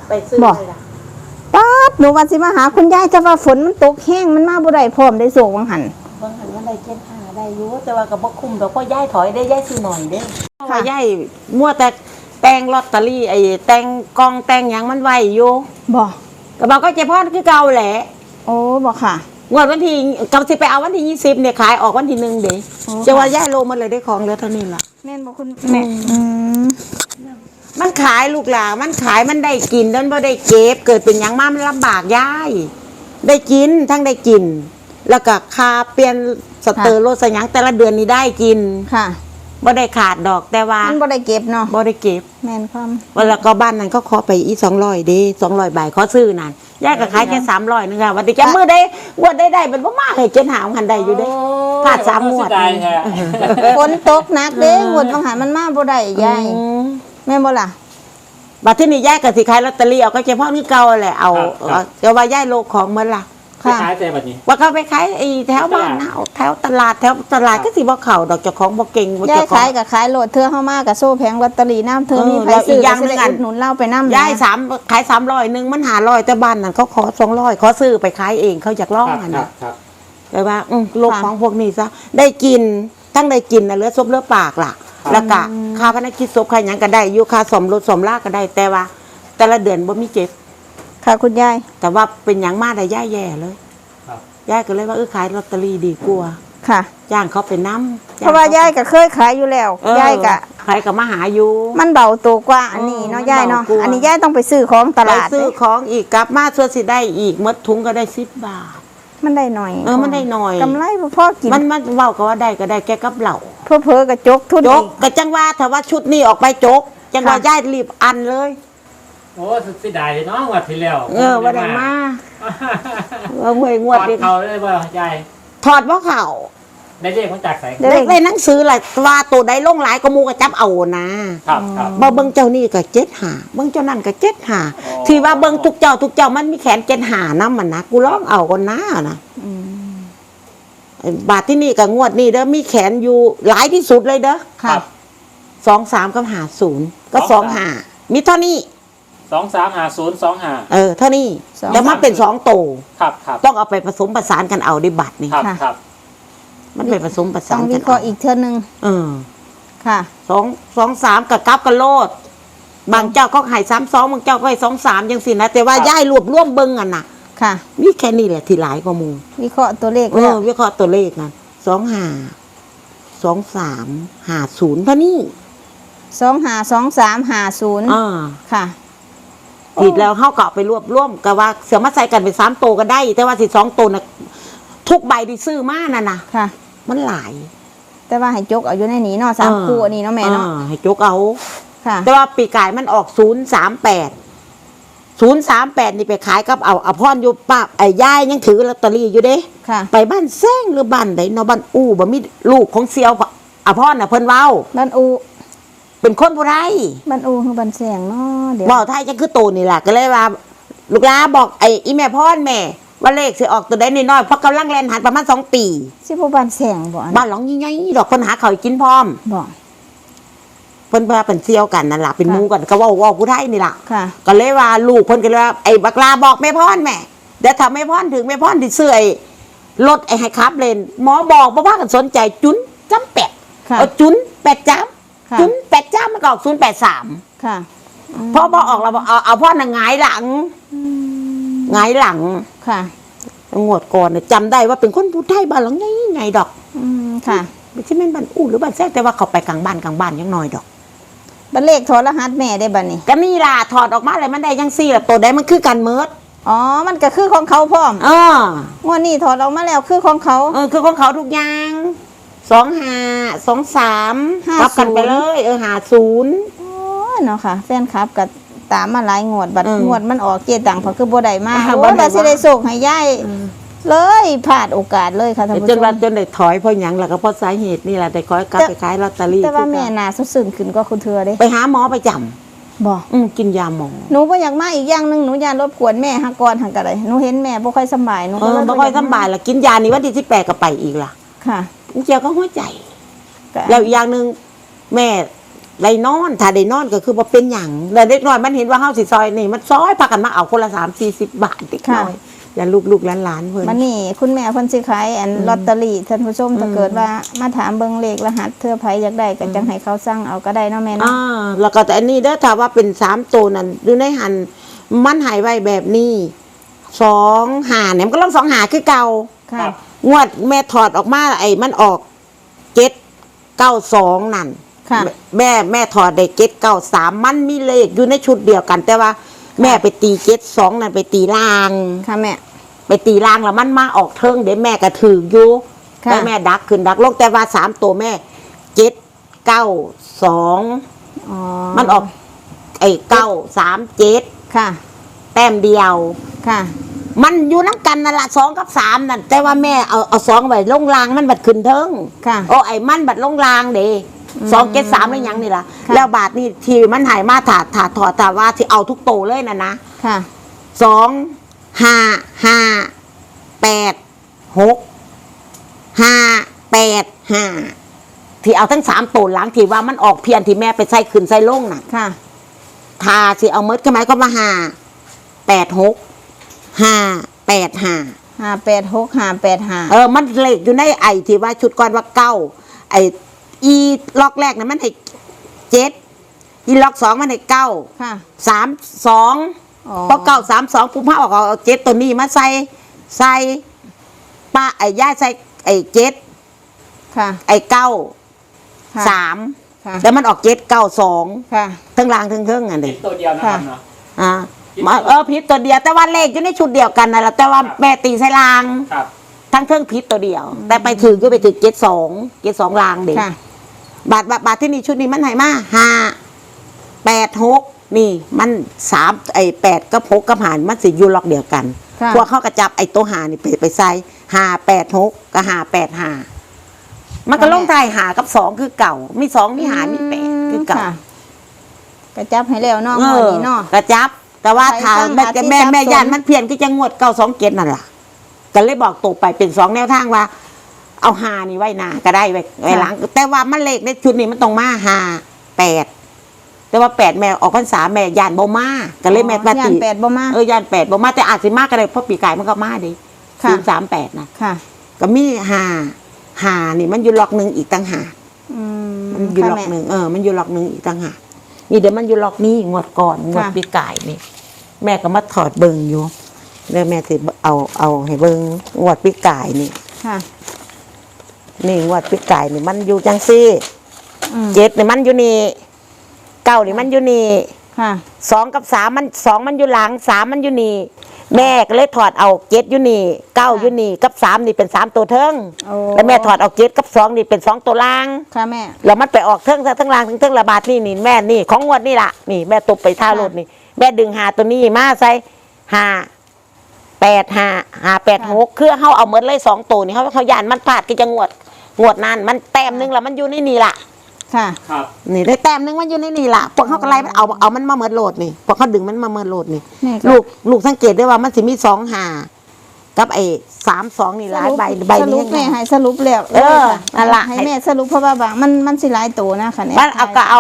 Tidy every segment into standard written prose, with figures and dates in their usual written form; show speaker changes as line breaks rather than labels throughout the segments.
ไปซื้อเลยล่ะ
ป๊าดหนูว่าสิมาหาคุณยายแต่ว่าฝนมันตกแห้งมันมาบ่ได้พร้อมได้โศกวังหัน
มันได้75ได้อยู่แต่ว่าก็บ่คุ้มดอกเพราะยายถอยได้ยายซื้อหน่อยเด้ว่ายายมัวแต่แต่งลอตเตอรี่ไอ้แต่งกองแต่งหยังมันไว้อยู่
บ่
ก็บอกก็เจ๊พ่อคือเก่าแหละ
โอ้บ่ค่ะ
งวดวันที่กำสิไปเอาวันที่20เนี่ยขายออกวันที่1เด้จะว่าย่ายโลมันเลยได้ของเหลือเท่านี้ล่ะ
แม่นบ่คุณแม่
มันขายลูกหลานมันขายมันได้กินแล้วบ่ได้เก็บเกิดเป็นหยังมามันลำบากย่ายได้กินทั้งได้กินแล้วก็ค่าเปลี่ยนสเตอร์โลสยังแต่ละเดือนนี้ได้กิน
ค่ะ
บ่ได้ขาดดอกแต่ว่า
มันบ่ได้เก็บเนาะ
บ่ได้เก็บ
แม่นความ
แล้วก็บ้านนั้นก็ขอไปอี200เด้200 บาทขอซื้อนั่นยายก็ขายแค่300นึงค่ะวันที่แกมื้อได้งวดได้เป็นบ่มากให้7หาหันได้อยู่เด้พลาด3งวด
ฝนตกหนักเด้งวดบางหันมันมาบ่ได้ยายแม่นบ่ล่ะ
บัดที่นี่ยายก็สิขายลอตเตอรี่เอาก็เฉพาะนี่เก่าแหละเอาแต่ว่ายายโลของมันล่ะ
ขายแต่บัดนี้
ว่าเขาไปขายไอ้แถวบ้านเฮาแถวตลาดก็สิบ่เข้าดอกเจ้าของบ่เก่ง
บ่เจ้าของยายขายก็ขายโลดเธอเฮามาก็โซ่แผงลอตเตอรี่น้ำเธอมีไผซื้อก็สิได้อุดหนุนเราไปนำ
ยาย3ขาย300นึงมัน500แต่บ้านนั่นเขาขอ200ขอซื้อไปขายเองเขาอยากลองอันน่ะแต่ว่าโลกของพวกนี้ซะได้กินทั้งได้กินน่ะเหลือซบเหลือปากล่ะแล้วก็ค่าพนักกิจศพค่าหยังก็ได้อยู่ค่าสมรถสมลาก็ได้แต่ว่าแต่ละเดือนบ่มีเจ็บ
ค่ะคุณยาย
แต่ว่าเป็นหยังมาได้ย่ายแย่เลยยายก็เลยว่าขายลอตเตอรี่ดีกว่า
ค่ะ
จ้างเขาไปน้ำ
เพราะว่ายายก็เคยขายอยู่แล้วยายก็
ขายกับมาหาอยู่
มันเบาตัวกว่าอันนี้เนาะยายเนาะอันนี้ยายต้องไปซื้อของตลาด
ไปซื้อของอีกกลับมาส่วนสิได้อีกมดถุงก็ได้10 บาท
มันได้หน่อย
มันได้หน่อย
กำไรพ่อกิน
มันเว้าก็ว่าได้ก็ได้แกกับเหล่า
เพ้อกระจกทุน
จกกะจังว่าถ้าว่าชุดนี้ออกไปจกจังว่ายายรีบอันเลย
โอ้สิได้เนาะงวดที่แล้ว
ว่าได้มาหวยงวด
ดิเขาเลยบ่ยาย
ถอดบ่เขา
ได้เลขมาจากไส
ได้หนังสือล่ะว่าตัวใดลงหลายก็มูก็จับเอานะครับบ่เบิ่งเจ้านี่ก็75เบิ่งเจ้านั่นก็75ที่ว่าเบิ่งทุกเจ้ามันมีแขน75นำมันนะกูลองเอาก่อนนะบาทที่นี่กับงวดนี่เด้อมีแขนอยู่หลายที่สุดเลยเด้อ
ครับ
23กับ50ก็25มีเท่านี้
235025
เท่านี้แต่มันเป็น2โต
ครับ
ต้องเอาไปผสมผสานกันเอาในบัตรนี่
ครับ
มันเป็นผสมผสานกัน
ต้องวิเคราะห์อีกเท่านึงค่ะ
2 3กับกับโลดบางเจ้าก็ให้32บางเจ้าก็ให้23จังซี่นะแต่ว่าย้ายรวบรวมเบิ่งกันน่ะ
ค่ะ
มีแค่นี้แหละที่หลายกว่าหมู่
วิเคราะห์ตัวเลขแล้ว
วิเคราะห์ตัวเลขกัน25 23 50เท่านี้
252350ค่ะ
ผิดแล้วเฮาก็ไปรวบรวมก็ว่าเสือมาใส่กันเป็น3โตก็ได้แต่ว่าสิ2โตน่ะทุกใบที่ซื้อมานั่นน่ะ
ค่ะ
มันหลาย
แต่ว่าให้จกเอาอยู่ในนี้เนาะ3คู่อันนี้เนาะแม่เนาะ
ให้จกเอา
ค่ะ
แต่ว่าปีกายมันออก038นี่ไปขายกับเอาพรอยู่ป้าไอ้ยายยังถือลอตเตอรี่อยู่เด้
ค่ะ
ไปบ้านแซงหรือบ้านใดเนาะบ้านอู่บ่มีลูกของเซียวอภรน่ะเพิ่นเว้า
บ้านอู
เป็นคนผู้ไร
บ้านอูคือบ้านแซงเนาะ
เดี๋ยวบ่ไทยจังคือโตนี่ล่ะก็เลยว่าลูกหลานบอกไอ้อีแม่พรแม่ว่าเลขสิออกตัวใดน้อยๆเพราะกำลังแล่นหันประมาณ2 ปี
สิบ่บ้านแซงบ่
บ้านหลังใหญ่ๆดอกคนหาข้าวกินพร้อม
บ่
เพิ่นว่าเป็นเซียวกันนั่นล่ะเป็นหมู่กันก็เว้าผู้ไทยนี่ล่ะ
ค่ะ
ก็เลยว่าลูกเพิ่นก็เลยว่าไอ้บักลาบอกแม่พรแม่เดี๋ยวถ้าแม่พรถึงแม่พรสิซื้อไอ้รถไอ้ให้ขับเล่นหมอบอกบ่พากันสนใจจุนจำเป็ดเอาจุน8จ้ำจุน8จ้ำมันก็ออก083
ค่ะ
พอออกแล้วเอาพ่อน่ะหงายหลัง
ค่ะ
งวดก่อนเนี่ยจำได้ว่าเป็นคนผู้ไทยบ้านหลังไงดอก
ค่ะ
ไม่ใช่แม่นบ้านอู้หรือบ้านแท้แต่ว่าเขาไปกลางบ้านยังน้อยดอก
บัตรเลขถอดรหัสแม่ได้บัดนี้
ก็นี่ล่ะถอดออกมาเลยมันได้ยังซี่ล่ะตัวใดมันคือกันเมิด
มันก็คือของเขาพร้อมงวดนี้ถอดออกมาแล้วคือของเขา
คือของเขาทุกอย่าง25 23รับกันไปเลย50
เนาะค่ะแฟนคลับกับตามมาหลายงวดบัดงวดมันออกเกียตังเพราะคือบ่ได้มาแต่สิได้ส่งให้ยายเลยพลาดโอกาสเลยค่ะท่านผู้ชม
จนได้ถอยเพราะหยังล่ะก็เพราะสาเหตุนี่แหละได้คอยกลับไปขายลอตเตอรี่
แต่ว่าแม่น่าซึ้งขึ้นก็คุณเธอเด้
ไปหาหมอประจำ
บ่
กินยาหมอ
หนูบ่อยากมาอีกอย่างนึงหนูยานรบกวนแม่หักก่อนหักกะไดหนูเห็นแม่บ่ค่อยสบายหนูก็
บ่ค่อยสบายล่ะกินยานี่วันที่18ก็ไปอีกล่ะ
ค่ะ
เจียวก็หัวใจแล้วอีกอย่างนึงแม่ได้นอนถ้าได้นอนก็คือว่าเป็นหยังแล้วเด็กน้อยมันเห็นว่าเฮาสิซอยนี่มันซอยพากันมาเอาคนละ3-40 บาทเด็กน้อยอย่าลูกๆหลานๆเพิ่น
มันนี่คุณแม่เพิ่นสิขายอันลอตเตอรี่ท่านผู้ชมถ้าเกิดว่ามาถามเบิ่งเลขรหัสเทื่อไผอยากได้ก็จังให้เขาสั่งเอาก็ได้เนาะแม่เนาะ
แล้วก็แต่อันนี้เด้อถ้าว่าเป็น3ตัวนั่นอยู่ในหันมันหายไว้แบบนี้2 หาเนี่ยมันก็ลอง2 หาคือเก่า
ค่ะ
งวดแม่ถอดออกมาไอ้มันออก792นั่น
ค่ะ
แม่ถอดได้793มันมีเลขอยู่ในชุดเดียวกัน แต่ว่าแม่ไปตี72นั่นไปตีล่าง
ค่ะแม่
ไปตีล่างแล้วมันมาออกเทิงเดี๋ยวแม่ก็ถืออยู่
ค่ะ
แต่แม่ดักขึ้นดักลงแต่ว่า3ตัวแม่792
อ๋อ
มันออกไอ้937
ค่ะ
แต้มเดียว
ค่ะ
มันอยู่น้ำกันนั่นละ2 กับ 3นั่นแต่ว่าแม่เอา2ไว้ลงรางมันบัดขึ้นเทิง
ค่ะ
โอ้ไอ้มันบัดลงรางเด้273ไม่ยังนี่ล่ะ
ค่ะ
แล้วบาทนี่ที่มันหายมาถาถอดแต่ว่าที่เอาทุกโตเลยนะ
ค่ะ
2-5-5-8-6-5-8-5ที่เอาทั้ง3โตหลังที่ว่ามันออกเพียนที่แม่ไปใส่ขึ้นใส่ลงน่ะ
ค่ะ
ทาสิเอาเมดก็หมายก็มา5-8-6-5-8-5
586 585
มันเลขอยู่ในไอที่ว่าชุดก่อนว่า9ไออีล็อกแรกนะมันให้7อีล็อก2มันให้9
ค่ะ
3-2
อ๋อ
พอ9-3-2ปุ๊บเอาเอา7ตัวนี้มาใส่ป้าไอ้ย่าใส่ไอ้7
ค่ะ
ไอ้
ค่ะ
9-3
ค่ะ
แล้วมันออก7-9-2
ค่ะ
ทั้งล่างทั้งเทิงอัน
เป็
นี้
นตัวเดียวนะครับเนาะ
ผิดตัวเดียวแต่ว่าเลขอยู่ในชุดเดียวกันนะแหละแต่ว่าแม่ตีใส่ลาง
ครับ
ทั้งเครื่องผิดตัวเดียว แต่ไปถึงก็ไปถึง72ลางเด็ก
ค่ะ
บาทที่นี่ชุดนี้มันไหนมา5-8-6นี่มัน3ไอ้8กับ6กับหารมันสิอยู่ล็อกเดียวกัน
ค่ะ
พวกเขากระจับไอ้ตัวหานี่ไปใส่5-8-6กับ5-8-5มันก็ลงท้ายหากับ2คือเก่ามี2มีหามี8คือเก่า
ค่ะกระจับให้แล้วเนาะงวดนี้เนาะ
กระจับ แต่ว่า
ใคร
ถ้า
สร้าง
แม่
หาที่
แม่
สับ
แม่
สน
ยานมันเพี้ยนก็จะงวด927นั่นล่ะก็เลยบอกตกไปเป็น2แนวทางว่า เอา5นี่ไว้หน้าก็ได้ไว้หลัง แต่ว่ามันเลขในชุดนี้มันต้องมา5-8แต่ว่า8แม่ออกพรรษาแม่ยานบ่มาก็เลยแม่มา
ย่า
ตี
น8บ่มา
ยาน8บ่มาแต่อาจสิมาก็ได้เพราะปีกายมันก็มาดิ
ค่ะ
038นะ
ค่ะ
ก็มี5นี่มันอยู่ล็อกหนึงอีกต่างหาก
อืม
มันอยู่
ค่ะ
ล็อก
แม่
หนึ่งมันอยู่ล็อกหนึ่งอีกต่างหากนี่เดี๋ยวมันอยู่ล็อกนี้งวดก่อนงวด
ค่ะ
ปีกายนี่ แม่ก็มาถอดเบิงอยู่แล้วแม่สิเอาให้เบิงงวดปีกายนี่
ค่ะ
นี่งวดปีกายนี่มันอยู่จังซี่
อืม
7นี่มันอยู่นี่9นี่มันอยู่นี่
ค่ะ
2กับ3มัน2มันอยู่หลัง3มันอยู่นี่แม่ก็เลยถอดเอา7อยู่นี่9อยู่นี่กับ3นี่เป็น3ตัวเทิง
โอ้
แล้วแม่ถอดเอา7กับ2นี่เป็น2ตัวล่าง
ค่ะแม่
แล้วมันไปออกเทิงซะทั้งรางทั้งระบาดนี่แม่นี่ของงวดนี่ล่ะนี่แม่ตบไปท่ารถนี่แม่ดึงหาตัวนี้มาใส่5-8-5-5-8-6คือเขาเอาเมดเลย2ตัวนี่เขาย่านมันพลาดก็จะงวดนั้นมันแต้มนึงแล้วมันอยู่ในนี่ล่ะ
ค่ะ
ครับ
นี่ได้แต้มนึงมันอยู่ในนี่ล่ะพวกเขาก็ไล่มันเอามันมาเมดโหลดนี่พวกเขาดึงมันมาเมดโหลดนี่
นี่ก็
ลูกสังเกตได้ว่ามันสิมี2-5กับไอ้3-2นี่หลายใบ
สรุ
นี้
ปแม่ให้สรุปแล้ว
เออ
ค่ะ
นั่นล่ะ
ให้แม่สรุปเพราะว่าบางมันสิหลายตัวนะค่ะเนี่ย
มันเอาก็เอา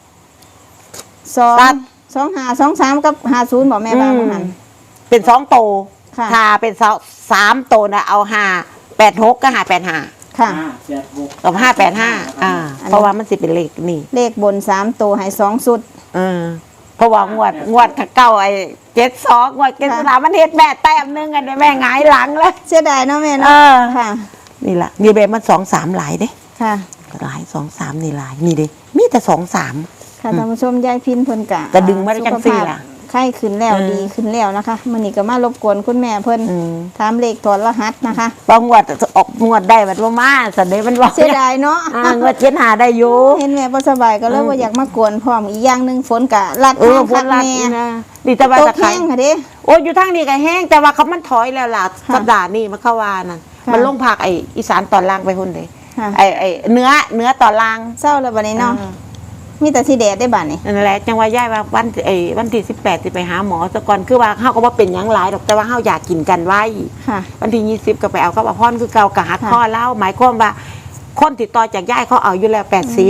ตัด
2-5-2-3กับ50บอกแม่บางหัน
เป็น2โต
ค่ะ
ถ้าเป็น3โตนะเอา5-8-6กับ5-8-5
ค่ะ
5-8-6
กับ5-8-5เพราะว่ามันสิเป็นเลขนี่
เลขบน3ตัวให้2สุด
เพราะว่างวดเก่าไอ้72งวด73มันเฮ็ดแม่แต้มนึงกันแม่หงายหลังเลย
เสียดายเนาะแม่
เอ
เนาะ
อ
ค่ะ
นี่ล่ะนี่แบบมัน2-3หลายเด้
ค่ะ
หลาย2-3นี่หลายนี่เด้มีแต่2-3
ค่ะท่านผู้ชมยายพินเพิ่นกะ
ก็ดึงมาได้จังซี่ล่ะ
ไข้ขึ้นแล้ว
เออ
ดีขึ้นแล้วนะคะมื้อนี้ก็มารบกวนคุณแม่เพิ่นถามเลขถอดรหัสนะคะ
พองวดออกงวดได้บัดว่ามาสันเด้มันว่า
เสียดายเนาะ
งวด75ได้อยู่
เห็นแม่บ่สบายก็เลยว่าอยากมากวนพร้อมอีกอย่างหนึงฝนกะลัด
เอ
ทา
อง พว
คั
ก
ก
รัด
แม่
นะนี่แต่ว่า
ต
จะ
ก
ขา
แห้
ย
งค่ะเด้
โอ้อยู่ทางนี้ก็แห้งแต่ว่าเขามันถอยแล้วล่ะ
ค่ะ
สัปดาห์นี้มันเข้าวานั่น
ค่ะ
มันลงภาคไอ้อีสานตอนล่างไปหุ่นเลย
ค่ะ
ไอ้เนื้อตอนล่าง
เศร้าแล้วบัดนี้เนาะมีแต่สิแดดได้บัดนี้
นั่นแหละจังว่าย่ายว่าวันที่18สิไปหาหมอซะก่อนคือว่าเฮาก็บ่เป็นหยังหลายดอกแต่ว่าเฮาอยากกินกันไว้
ค่ะ
วันที่20ก็ไปเอากับอภรคือเก่ากะหัก
ค่ะ
ข้อเล่าหมายความว่าคนติดต่อจากย่ายเขาเอาอยู่แล้ว80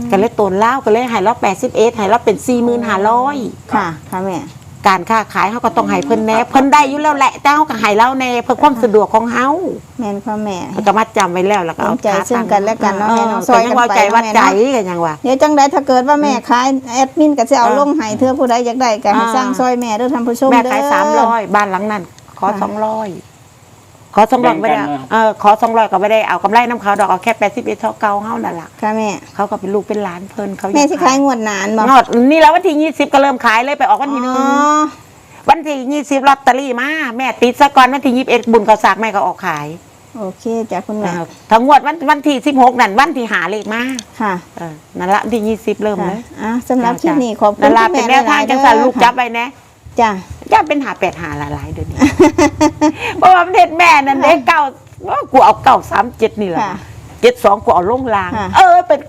ก็เลยตนเล่าก็เลยให้เรา81ให้เราเป็น45,000
ค่ะค่ะแม่
การค้าขายเขาก็ต้องให้เพิ่นแน่เพิ่นได้อยู่แล้วแหละแต่เขาก็ให้เราแน่เพื่อความสะดวกของเฮา
แม่นค่ะแม่
เขาก็มาจำไว้แล้วแล้วก็เอา
ใจซึ่งกันและกันเนาะแม่เนาะ
ซอยกันว่าใจว่าใจกันยังว่า
เดี๋ยวจังใดถ้าเกิดว่าแม่ขายแอดมินก็จะเอาลงให้เธอผู้ใดอยากได้ก็ให้สร้างซอยแม่เด้อท่านผู้ชม
แม่
เด้อ
ขาย300บ้านหลังนั้นขอ200ขอ200ไม่ได้ขอ200ก็ไม่ได้เอากำไรน้ำเขาดอกเอาแค่81เท่าเก่าเฮานั่นล่ะ
ค่ะแม่
เขาก็เป็นลูกเป็นหลานเพิ่นเขา
แม่สิขายงวดนานบ่
งอดนี่แล้ววันที่20ก็เริ่มขายเลยไปออกวันที่
อ๋อ
1วันที่20ลอตเตอรี่มาแม่ติดซะก่อนวันที่21บุญเขาสากแม่ก็ออกขาย
โอเคจ้ะคุณแม่
ทั้งงวดวันที่16นั่นวันที่หาเลขมา
ค่ะ
นั่นละวันที่20เริ่มเลย
สำหรับคลิปนี้ขอบคุณ
นั่นละ
คุณ
เป็น
แม่
แนวทาง
หยๆ
จังสันลูกจับไปนะ
จ้ะ
ย่าเป็นหา8หาหลายๆเดี๋ยวนี้ เพราะว่าประเทศแม่นั่นเด็กเก้าว่ากูเอา937นี่แหละ
ค่ะ
72กูเอาลงลาง
ค่ะ
เป็น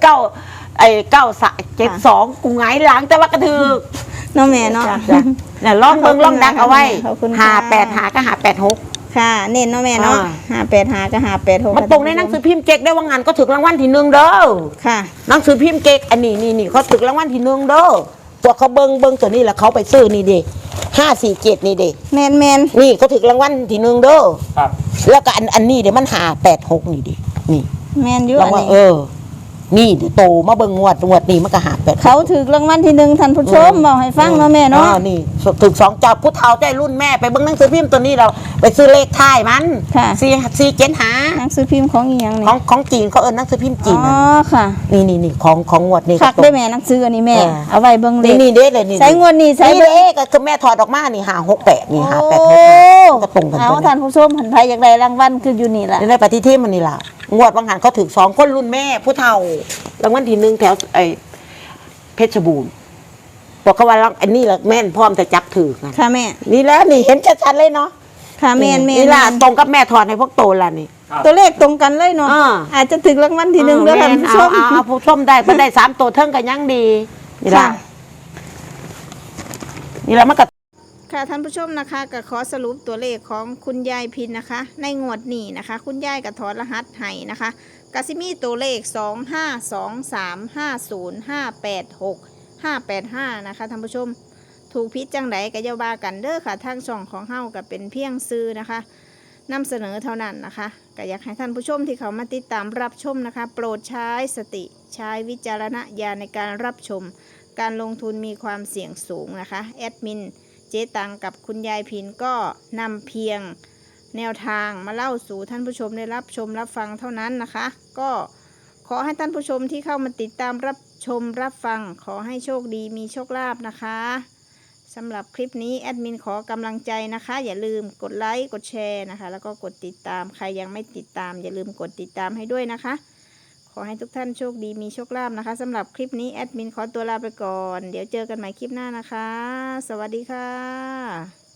972กูหงายหลังแต่ว่ากระถือ
เนาะแม่เนาะ
เนี่ยลองเบิ่งลองดักเอาไว้
ขอบคุณ
หา
ค่ะ
8หาก็หา86
ค่ะ เน้นเนาะแม่เนาะ 585กับ586
มันตรงในหนังสือพิมพ์เก๊กได้ว่างานก็ถึงรางวัลที่1เด้อ
ค่ะ
หนังสือพิมพ์เก๊กอันนี้เขาถึงรางวัลที่1เด้อพวกเขาเบิ่งตัวนี้แล้วเขาไปซื้อนี่ดิ547นี่ดิ
แม่น
นี่เขาถึงรางวัลที่1เด้อ
ครับ
แล้วก็อันนี้เดี๋ยวมัน586นี่ดินี่
แม่นอยู่
รา
อั
ง
น
วัล
นี้
นี่เดี๋ยวโตมาเบิ่งงวดนี้มันก็586
เขาถือรางวัลที่1ท่านผู้ชมบอกให้ฟังเนาะแม่เนาะ
นี่ถึง2เจ้าผู้เฒ่าใจรุ่นแม่ไปเบิ่งหนังสือพิมพ์ตัวนี้เราไปซื้อเลขท้ายมัน
ค่ะ
475
หนังสือพิมพ์ของอีหยังนี่
ของจีนเขาหนังสือพิมพ์จีน
อ๋อค่ะ
นี่ของงวดนี้
คักได้แม่หนังสืออันนี้แม่ เอาไว้เบิ่งเลข
นี่เด้เลยนี่
ใส่งวดนี้ใส่
นี่
เบิ่ง
เลขก็คือแม่ถอดออกมานี่568นี่
โอ้
586ก็ตรงกัน
เอา
ตัว
ท่านผู้ชมหันไปอยากได้รางวัลคืออยู่นี่ล่ะ
นี่ได้ปฏิทินมันนี่ล่ะงวดบางหันเขาถึง2คนรุ่นแม่ผู้เฒ่ารางวัลที่1แถวเพชรบูรณ์บอกเขาว่าอันนี้ล่ะแม่นพร้อมจะจับถือกัน
ค่ะแม่
นี่แล้วนี่เห็นชัดๆเลยเนาะ
ค่ะแม่น
นี่ล่ะตรงกับแม่ถอดให้พวกโตล่ะนี่
ตัวเลขตรงกันเลยเนาะ
อ่า
อาจจะถึงรางวัลที่1แล้วท่านผู้ชม
เอาผู้ชมได้เพิ่นได้3ตัวเทิงก็ยังดีนี่ล่ะ
ค่ะ
นี่ล่ะมันก็
ค่ะท่านผู้ชมนะคะก็ขอสรุปตัวเลขของคุณยายพินนะคะ ในงวดนี้นะคะ คุณยายก็ถอดรหัสให้นะคะกสิมีตัวเลข252350586585นะคะท่านผู้ชมถูกพิษจังไดก็อย่าว่ากันเด้อค่ะทางช่องของเฮาก็เป็นเพียงซื้อนะคะนำเสนอเท่านั้นนะคะก็อยากให้ท่านผู้ชมที่เขามาติดตามรับชมนะคะ โปรดใช้สติใช้วิจารณญาณในการรับชม การลงทุนมีความเสี่ยงสูงนะคะแอดมินเจ๊ตังกับคุณยายพินก็นำเพียงแนวทางมาเล่าสู่ท่านผู้ชมได้รับชมรับฟังเท่านั้นนะคะ ก็ขอให้ท่านผู้ชมที่เข้ามาติดตามรับชมรับฟังขอให้โชคดีมีโชคลาภนะคะสำหรับคลิปนี้แอดมินขอกำลังใจนะคะ อย่าลืมกดไลค์กดแชร์นะคะแล้วก็กดติดตามใครยังไม่ติดตามอย่าลืมกดติดตามให้ด้วยนะคะ ขอให้ทุกท่านโชคดีมีโชคลาภนะคะสำหรับคลิปนี้แอดมินขอตัวลาไปก่อนเดี๋ยวเจอกันใหม่คลิปหน้านะคะสวัสดีค่ะ